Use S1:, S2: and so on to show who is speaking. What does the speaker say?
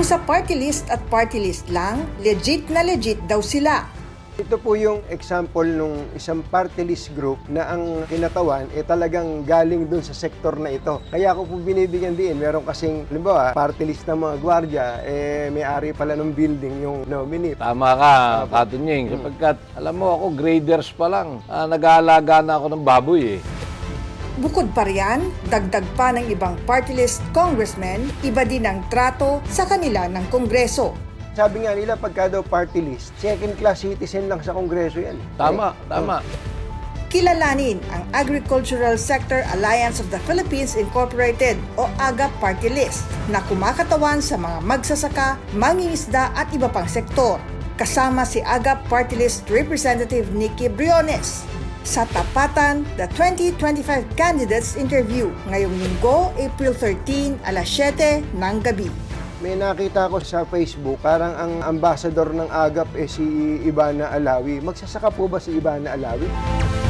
S1: sa party list at party list lang, legit na legit daw sila.
S2: Ito po yung example nung isang party list group na ang kinatawan talagang galing dun sa sektor na ito. Kaya ako po binibigyan din. Meron kasing, halimbawa, party list ng mga gwardiya, may-ari pala ng building yung nominee.
S3: Tama ka, Katunying. Sapagkat, alam mo ako, graders pa lang. Nag-aalaga na ako ng baboy eh.
S1: Bukod pa riyan, dagdag pa ng ibang party list congressmen, iba din ang trato sa kanila ng Kongreso.
S2: Sabi nga nila, pagka daw party list, second-class citizen lang sa Kongreso yan.
S3: Tama, tama.
S1: Kilalanin ang Agricultural Sector Alliance of the Philippines Incorporated o AGA Party List na kumakatawan sa mga magsasaka, mangingisda at iba pang sektor. Kasama si AGA Party List Representative Nikki Briones. Sa tapatan, the 2025 Candidates Interview ngayong Linggo, April 13, alas 7 ng gabi.
S2: May nakita ko sa Facebook, parang ang ambassador ng AGAP si Ivana Alawi. Magsasaka po ba si Ivana Alawi?